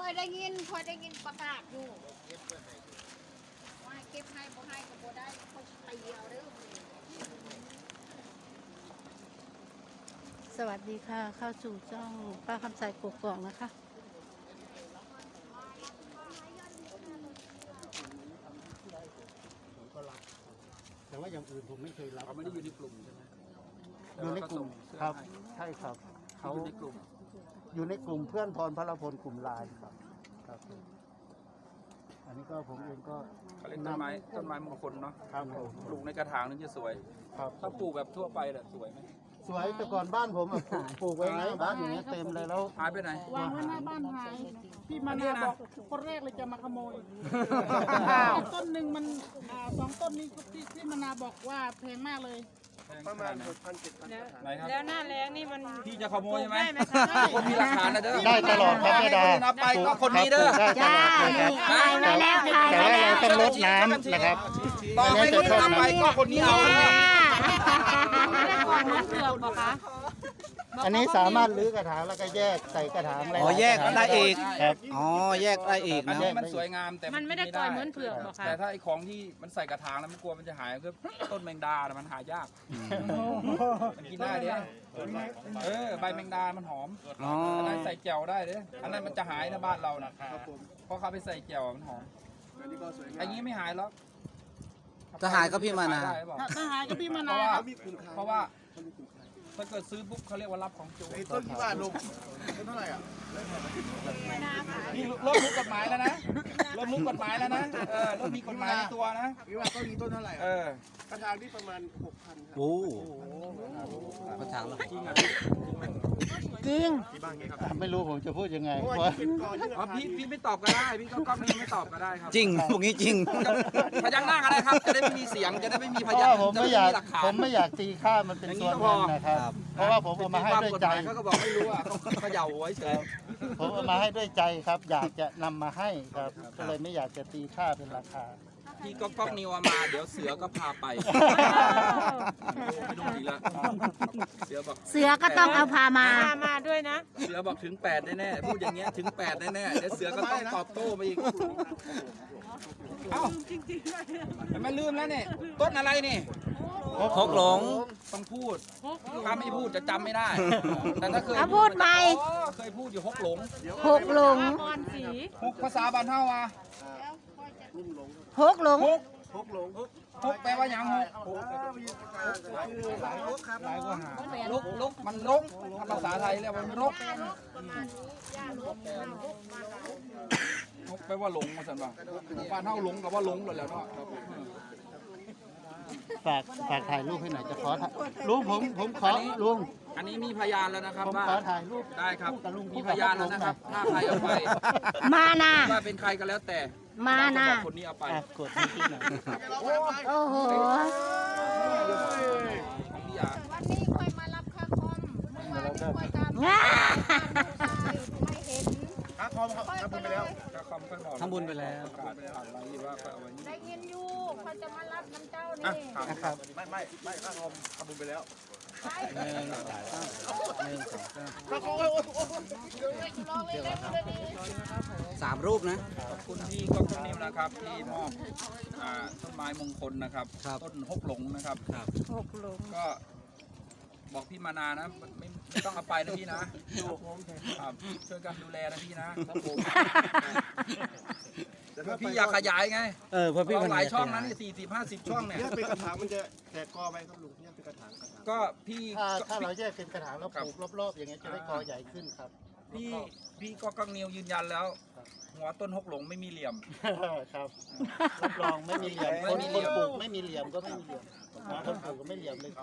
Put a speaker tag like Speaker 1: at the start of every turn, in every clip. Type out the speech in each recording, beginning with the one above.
Speaker 1: อยได้ยินประกาศอยู่ว่าเก็บให้บ่ให้ก็บ่ได้เขาตีเอาเด้อ
Speaker 2: สวัสดีค่ะเข้าสู่ช่องป้าคำใสกกอกนะคะ
Speaker 3: ผมก็รับแต่ว่าอย่างอื่นผมไม่เคยรับ
Speaker 4: เขาไม่ได้อยู่ในกลุ่มใช่ไหม
Speaker 3: อยู่ในกลุ่มครับใช่ครับเขา
Speaker 4: อยู่ในกลุ่ม
Speaker 3: อยู่ในกลุ่มเพื่อนพรพลพลกลุ่มไลน์ครับครับอันนี้ก็ผมเองก็
Speaker 4: เขาเรียกต้นไม้มงคลเนาะ
Speaker 3: ครับผม
Speaker 4: ปลูกในกระถางนึงจะสวย
Speaker 3: ครับ
Speaker 4: ถ้าปลูกแบบทั่วไปน่ะสวยไหม
Speaker 3: สวยแต่ก่อนบ้านผมอะปลูกไว้ไงบ้านอย่างเงี้ยเต็มเลยแล้ว
Speaker 4: หายไปไหน
Speaker 5: วางไว้หน้าบ้านหายพี่มา
Speaker 4: เนี่
Speaker 5: นาย
Speaker 4: นะ
Speaker 5: บอกคนแรกเลยจะมาขโมยต้นหนึ่งมันสองต้นนี้ที่มานาบอกว่าแพงมากเลย
Speaker 4: ประมาณ6,000-7,000ไหนครับ
Speaker 6: แล้วหน้าแรงนี่มัน
Speaker 4: พี่จะขโมยใช่ไหม
Speaker 6: ได้ไหมคะ
Speaker 4: คนมีหลักฐานนะเด้อ
Speaker 3: ได้ตลอดครับแม่ดา
Speaker 4: นับไปก็คนนี้เด้อ
Speaker 3: ได้ตลอดนะครับ
Speaker 2: ถ่ายไว้แล้วถ่าย
Speaker 3: แต่
Speaker 2: ไว้
Speaker 3: ว่า
Speaker 2: แล้ว
Speaker 3: เราต้องลดน้ำนะครับ
Speaker 4: ต่อไปคนนับไปก็คนนี้เอาคนนี้
Speaker 6: ก่อนนั้นเผือกบอกคะ
Speaker 3: อันนี้สามารถรื้อกระถางแล้วก็แยกใส่กระถางอะไร
Speaker 7: อ๋อแยกได้อีก
Speaker 3: ครับ
Speaker 7: อ๋อแยกได้อีก
Speaker 4: อัน
Speaker 7: นะ
Speaker 4: นี้มันสวยงามแต่
Speaker 6: มันไม่ได้ปล่อยเหมือนเผือกบอกคะ
Speaker 4: แต่ถ้าไอ้ของที่มันใส่กระถางแล้วมันกลัวมันจะหายก็ต้นแมงดาน่ะมันหายากมันกินได้เด้ใบแมงดามันหอม
Speaker 7: อ๋อ
Speaker 4: อันนั้นใส่แจ่วได้เด้อันนั้นมันจะหายนะบ้านเรานะเพราะเขาไปใส่แจ่วมันหอมอันนี้ไม่หายแล้ว
Speaker 7: จะหายก็พี่มานะ
Speaker 4: ได้หรือเปล่า
Speaker 5: ถ้าหายก็พี่มา
Speaker 4: เพ
Speaker 5: นา
Speaker 4: ราะว่า
Speaker 5: ครับ
Speaker 4: เพราะว่าถ้าเกิดซื้อปุ๊บเขาเรียกว่ารับของโจร
Speaker 3: ต้นที่บ้านลงต้นเท่าไหร่อ่ะ
Speaker 4: นี่เริ่มรู้กฎหมายแล้วนะเริ่มรู้กฎหมายแล้วนะเริ่มมีกฎหมายในตัวนะ
Speaker 3: พี่ว่าต้นนี้ต้นเท่าไหร่ กระถางที่ประมาณ 6,000 ครับ
Speaker 7: โอ้กระถางละ
Speaker 4: จริงอ่ะ
Speaker 2: จริง
Speaker 3: ไม่รู้ผมจะพูดยังไงเพราะว่า
Speaker 4: อ๋อพี่ไม่ตอบก็ได้พี่ก็ไม่ตอบก็ได้ครับ
Speaker 7: จริงพวกนี้จริง
Speaker 4: พยักหน้าก็ได้ครับจะได้ไม่มีเสียงจะได้ไม่มีพ
Speaker 3: เพราะ
Speaker 4: ยาน
Speaker 3: ว่าผมไม่อยาก
Speaker 4: หลักฐาน
Speaker 3: ผมไม่อยากตีค่ามันเป็นส่วนเงินนะครับ เพราะว่าผมเอามาให้ด้วยใจ
Speaker 4: เขาก็บอกไม่รู้อ่ะต้องเขย่าไว้เฉย
Speaker 3: ผมเอามาให้ด้วยใจครับ อยากจะนำมาให้ครับ ก็เลยไม่อยากจะตีค่าเป็นราคา
Speaker 4: พี่ก็ก๊อกนิวเอามาเดี๋ยวเสือก็พาไปไม่ต้องดีละเสือบอก
Speaker 2: เสือก็ต้องเอาพามา
Speaker 6: มาด้วยนะ
Speaker 4: เสือบอกถึง8แน่ๆพูดอย่างเงี้ยถึง8แน่ๆเดี๋ยวเสือก็ต้องตอบโต้มาอีกเอ้าแต่ไม่ลืมแล้วเนี่ยต้นอะไรนี่
Speaker 7: พกหลง
Speaker 4: ต้องพูดถ้าไม่พูดจะจำไม่ได้ แต่ถ้าเคย
Speaker 2: เอาพูดใหม่
Speaker 4: อ๋อเคยพูดอยู่ฮกหลง
Speaker 2: หกหลง
Speaker 6: ก่อนสี
Speaker 4: ฮกภาษาบ้านเฮาอ่ะ
Speaker 2: หกหลง
Speaker 4: ฮกแปลว่าหยังฮกลกมันลกภาษาไทยเรียกว่ามันลกฮกแปลว่าหลงมาสันว่าบ้านเฮาหลงกับว่าหลงเลยแหล้วเนาะ
Speaker 3: ฝากถ่ายรูปให้หน่อยจะขอถ่ายลุงผมขอลุง
Speaker 4: อันนี้มีพยานแล้วนะครับ
Speaker 3: ผม
Speaker 4: ว่า
Speaker 3: ขอถ่ายรูป
Speaker 4: ได้ครับ
Speaker 3: กับลุง
Speaker 4: มีพยานแล้วนะครับถ้าใครเอาไป
Speaker 2: มานะ
Speaker 4: ว่าเป็นใครก็แล้วแต่
Speaker 2: มานะ
Speaker 4: บอกคนนี้เอาไป
Speaker 3: กดที่หน่อย
Speaker 2: โอ้โห
Speaker 4: ของพี่ยา
Speaker 1: วันนี้ค่อยมารับค่าคอมเมื่อวานนี้ค่อยตาม
Speaker 2: ง่า
Speaker 1: ไม่เห็น
Speaker 3: ค่าคอมครับทำบุญไปแล้ว
Speaker 4: ก็คำค่อยบอก
Speaker 7: ทำบุญไปแล้ว
Speaker 4: ประกาศผ่านไว้ว่าก็เอาไว้นี่
Speaker 1: ได้ยินอยู่เขาจะมารับน้ำเจ้านี่
Speaker 3: นะครับ
Speaker 8: ไม่ค่าคอมทำบุญไปแล้ว
Speaker 7: 3 รูปนะ
Speaker 4: ขอบคุณพี่ก๊อกนิวนะครับที่มอบต้นไม้มงคลนะครับ
Speaker 7: ครับ
Speaker 4: ต้นฮกหลงนะครับ
Speaker 2: หกหลง
Speaker 4: ก็บอกพี่มานานะไม่ต้องเอาไปนะพี่นะครับช่วยกันดูแลนะพี่นะครับผมพี่อยากขยายไง
Speaker 7: เพื่อพี่
Speaker 4: เรา
Speaker 7: คน
Speaker 4: หลาย
Speaker 7: นี้
Speaker 4: ช่องนะนี่40-50 ช่องเนี่ย
Speaker 8: เนี่ยเป็นกระถางมันจะแตกกอไปครับลุงเนี่ยเป็นกระถาง
Speaker 4: ก็พี่
Speaker 3: ถ้าเราแยกเป็นกระถางแล้วปลูกรอบๆอย่างเงี้ยจะได้กอใหญ่ขึ้นครับ
Speaker 4: พี่ก็กังนิวยืนยันแล้ว หัวต้นฮกหลงไม่มีเหลี่ยม
Speaker 3: ครับรับรองไม่มีเหลี่ยม
Speaker 4: ไม่มีเหลี่ยม
Speaker 3: คนปลูกไม่มีเหลี่ยมก็ไม่มีเหลี่ยมคนปลูกก็ไม่เหลี่ยมเลยคน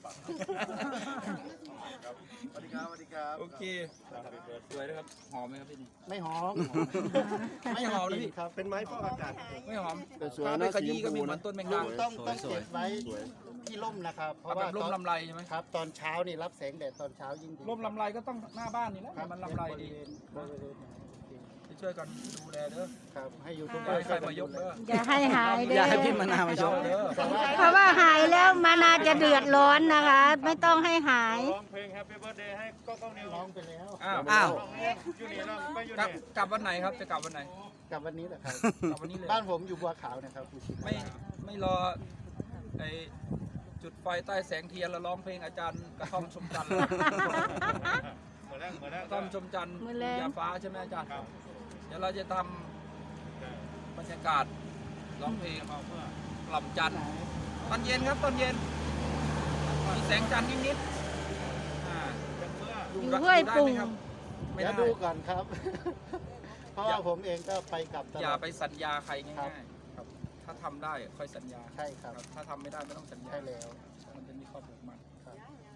Speaker 8: สวัสดีครับสวัสดีครับ
Speaker 4: โอเคสวยนะครับหอมไหมครับพี่นี่
Speaker 3: ไม่หอม
Speaker 4: ไม่หอมนะพี่
Speaker 3: ครับ
Speaker 8: เป็นไม้ฟอกอากาศ
Speaker 4: ไม่หอม
Speaker 8: แต่สวย
Speaker 4: ถ้า
Speaker 8: นะ
Speaker 4: ไปขยี้
Speaker 8: สีช
Speaker 4: ก็
Speaker 8: มพู
Speaker 4: มีเหมือนต้นแมง
Speaker 3: ลุ
Speaker 4: ดาง
Speaker 3: ต้องเก็บไว้ที่ร่มนะครับ เพ
Speaker 4: เอา
Speaker 3: ราะ
Speaker 4: แบ
Speaker 3: ว่า
Speaker 4: บร่มลำไรใช่ไหม
Speaker 3: ครับตอนเช้านี่รับแสงแดดตอนเช้ายิ่งดี
Speaker 4: ร่มลำไรก็ต้องหน้าบ้านนี่แหละ
Speaker 3: ครับ
Speaker 4: มันลำไรดี
Speaker 3: บริเวณ
Speaker 4: ช่วยกันดูแลเด้อ
Speaker 3: ครับให้ยูทูบ
Speaker 4: ไปใครมายกเด้อ
Speaker 2: อย่าให้หายเด้
Speaker 7: อย่า
Speaker 2: อ
Speaker 7: ให้พี่มะนาวมาชม
Speaker 4: เด้อ
Speaker 2: เพราะว่าหายแล้วมานาจะเดือดร้อนนะคะ ไม่ต้องให้หาย
Speaker 8: ร้องเพลง Happy Birthday ให้ก็ต้องนิว
Speaker 3: ร้องไปแล้ว
Speaker 4: อ้าว
Speaker 7: อ้าว
Speaker 8: อยู่นี่ร้องไปอยู่
Speaker 4: กลับ
Speaker 8: นี่
Speaker 4: กลับวันไหนครับจะกลับวันไหน
Speaker 3: กลับวันนี้แหละครับ
Speaker 4: กลับวันนี้เลย
Speaker 3: บ้านผมอยู่บัวขาวนะครับ
Speaker 4: ไม่รอไอจุดไฟใต้แสงเทียนแล้วร้องเพลงอาจารย์กระท่อมชมจันทร์
Speaker 8: เหมือนแรก
Speaker 4: กระท่อมชมจันทร์
Speaker 2: มื้อแลง
Speaker 4: ยาฟ้าใช่ไหมอาจารย์เดี๋ยวเราจะทำบรรยากาศร้องเพลงกล่อมจันทร์ตอนเย็นครับตอนเย็นมีแสงจันทร์นิดๆ
Speaker 2: อยู่ห้วยปุ่ง
Speaker 4: ไม่
Speaker 3: เดี๋ยว
Speaker 4: ได้
Speaker 3: ดูก่อนครับ เพราะว่าผมเองก็ไปกลับตล
Speaker 4: อย่า
Speaker 3: อด
Speaker 4: ไปสัญญาใคร
Speaker 3: ครั
Speaker 4: ง่า
Speaker 3: บ
Speaker 4: ยๆครับถ้าทำได้ค่อยสัญญา
Speaker 3: ใช่ครับ
Speaker 4: ถ้าทำไม่ได้ไม่ต้องสัญญา
Speaker 3: ใช่แล้ว
Speaker 4: มันจะมีข้อผูกมัด
Speaker 3: ครับ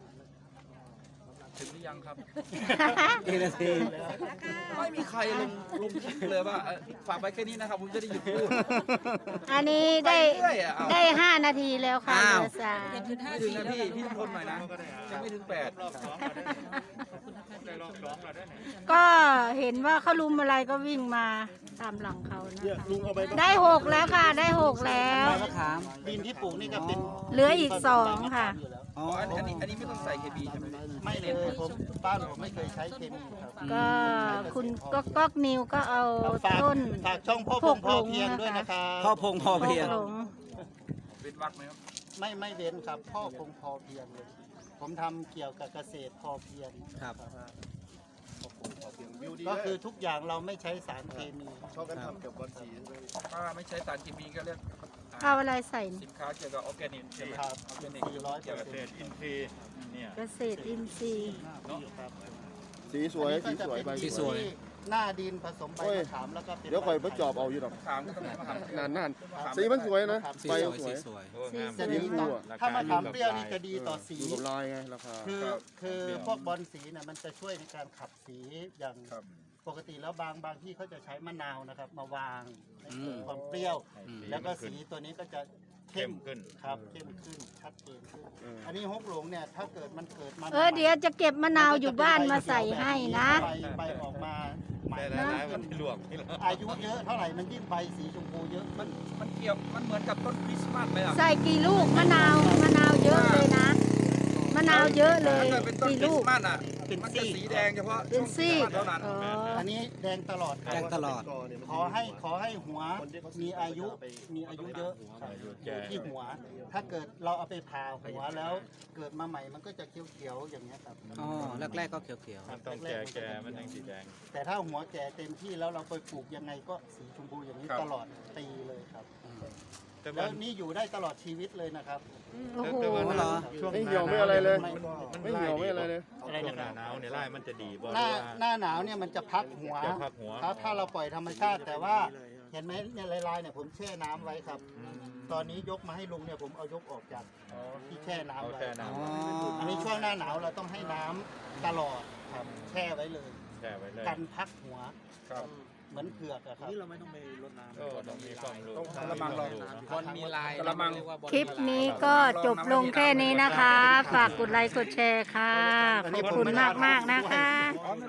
Speaker 4: ถึงหรือยังครับ
Speaker 7: กี่นาที
Speaker 4: ไม่มีใครลงคลิปเลยว่าฝากไว้แค่นี้นะครับผมจะได้หยุดพูด
Speaker 2: อันนี้ได้
Speaker 4: เรื่อยๆเอา
Speaker 2: ได้ 5 นาทีแล้วค่ะ
Speaker 7: อ้าว
Speaker 2: เหลือสาม
Speaker 4: ไม่ถึงนะพี่ทนหน่อยนะยังไม่ถึง8
Speaker 8: รอบ2ได้รอบ2แล้วได้ไหน
Speaker 2: ก็เห็นว่าเขาลุมอะไรก็วิ่งมาตามหลังเขานะ
Speaker 8: เนี่ย
Speaker 2: คะ
Speaker 8: ลุงเอาไป
Speaker 2: ได้ 6 แล้วค่ะ ได้ 6 แล้ว
Speaker 7: ใบมะขาม
Speaker 3: ดินที่ปลูกนี่ก็เป็น
Speaker 2: เหลืออีก2ค่ะ
Speaker 3: อยู่แล้ว
Speaker 7: อ๋อ
Speaker 4: อันนี้ไม่ต้องใส่เคมีใช่ไหม
Speaker 3: ไม่เลยผมบ้านผมไม่เคยใช้เคมีครับ
Speaker 2: ก็คุณก๊อกนิวก็เอา
Speaker 3: ฝาก
Speaker 2: ต้น
Speaker 3: ฝากช่องพ่อพงพอเพียงด้วยนะครับ
Speaker 7: พ่อพงพอ
Speaker 2: โค
Speaker 7: เพียง
Speaker 2: กหลง
Speaker 4: เป็นวักไหมครับ
Speaker 3: ไม่เว้นครับ พ่อพงพอเพียงเลย ผมทำเกี่ยวกับเกษตรพอเพียง
Speaker 7: ครับ
Speaker 8: วิวดี
Speaker 3: ก็คือทุกอย่างเราไม่ใช้สารเคมี
Speaker 8: ชอบกันทำเกี่ยวกับสี
Speaker 4: ถ้าไม่ใช้สารเคมีก็เรียก
Speaker 2: เอาอะไรใส่
Speaker 4: สินค้าเกี่ยวกับออร์แกนิกใช่ไหม
Speaker 3: ครับ
Speaker 4: ออร์แกนิก
Speaker 3: 400%
Speaker 4: เกี่ยวกับ
Speaker 8: เศษอินทรีย์เนี่ย
Speaker 2: เกษตรอินทรีย์
Speaker 3: ครับ
Speaker 8: สีสวย
Speaker 3: อันนี้ก็จะเป็น
Speaker 7: สี
Speaker 3: ดิน
Speaker 7: สวย
Speaker 3: ที่หน้าดินผสมใบมะขามแล้วก็เป็น
Speaker 8: เดี๋ยวคอยมาจอบเอาอยู่ดอก
Speaker 4: ขามก็ต้องมาขาม
Speaker 8: นานสีมันสวยนะ
Speaker 7: สี
Speaker 8: ใบ
Speaker 7: สวย
Speaker 8: สว
Speaker 7: สี
Speaker 8: ย
Speaker 7: สวย
Speaker 3: จะดีต่อถ้ามะขามเปรี้ยวนี่จะดีต่อสี
Speaker 8: อยู่กับลายไงราคา
Speaker 3: คือพวกบอลสีเนี่ยมันจะช่วยในการขับสีอย่าง
Speaker 4: ครับ
Speaker 3: ปกติแล้วบางที่เขาจะใช้มะนาวนะครับ มาวางให้เกิด
Speaker 7: อืม
Speaker 3: ความเปรี้ยว
Speaker 7: อืม
Speaker 3: แล้วก็สีตัวนี้ก็จะเข้มขึ้นครับเข้มขึ้นชัดเจนขึ้น อันนี้ฮกหลงเนี่ยถ้าเกิดมันเกิดมา
Speaker 2: เดี๋ยวจะเก็บมะนาวอยู่บ้านมาใส่ให้นะ
Speaker 3: ใบออกมาใหม่
Speaker 8: ได้
Speaker 3: นะ
Speaker 8: หลายๆมันลวก
Speaker 3: อายุเยอะเท่าไหร่มันยิ่งใบสีชมพูเยอะ
Speaker 4: มันเกี่ยวมันเหมือนกับต้นคริสต์มาสไหมล่ะ
Speaker 2: ใส่กี่ลูกมะนาวเยอะเลยนะ มะนาวเยอะเลย
Speaker 4: ถ้าเกิดเป็นต้น
Speaker 2: กี่
Speaker 4: คริ
Speaker 2: ลู
Speaker 4: ส
Speaker 2: ก
Speaker 4: ต์มาสอ่ะมันจะสีแดงเฉพาะ
Speaker 2: เป็นซี่
Speaker 4: ช่วงคริสต์มาสเท่านั้น
Speaker 2: อ๋อ
Speaker 3: อันนี้แดงตลอดครับ
Speaker 7: แดงตลอด
Speaker 3: ขอให้หัวมีอายุเยอะอยู่ที่หัว ถ้าเกิดเราเอาไปผ่าหัวแล้วเกิดมาใหม่มันก็จะเขียวๆอย่างเงี้ยครับ
Speaker 7: อ๋อ แรกๆก็เขียว
Speaker 3: ครับแก่มันยังสีแดง แต่ถ้าหัวแก่เต็มที่แล้วเราไปปลูกยังไงก็สีชมพูอย่างนี้ตลอดปีเลยครับ แล้วนี่อยู่ได้ตลอดชีวิตเลยนะครับ
Speaker 2: โอ้โห
Speaker 7: เหรอ
Speaker 8: ไม่เหี่ยวไม่อะไรเลย
Speaker 3: ไม่
Speaker 8: ไม่เหี่ยวไม่อะไรเลย
Speaker 3: อะไรนะ
Speaker 9: หน้าหนาวเนี่ยไล่มันจะดีบ่
Speaker 3: หน้าหนาวเนี่ยมันจะพักหัว
Speaker 9: จะพักหัว
Speaker 3: ถ้าเราปล่อยธรรมชาติ แต่ว่าเห็นไหมเนี่ยลายๆเนี่ยผมแช่น้ำไว้ครับ ตอนนี้ยกมาให้ลุงเนี่ยผมเอายกออกจากที่แช่น้ำ
Speaker 9: เอา
Speaker 3: ไว้
Speaker 9: แช่
Speaker 7: ๆ
Speaker 9: น้
Speaker 7: อ๋อ
Speaker 3: อันนี้ช่วงหน้าหนาวเราต้องให้น้ำตลอดครับแช่ไว้เลย
Speaker 9: ำแช่ไว้เลย
Speaker 3: กันพักหัว
Speaker 4: ครับ
Speaker 3: เหมือนเผือกอะครับ
Speaker 9: ต้องมีความรู้
Speaker 4: ต้องกระมังเรา
Speaker 7: บอลมีลาย
Speaker 4: กระมัง
Speaker 2: คลิปนี้ก็จบลงแค่นี้นะคะ ฝากกดไลค์กดแชร์ค่ะ ขอบคุณมากๆนะคะ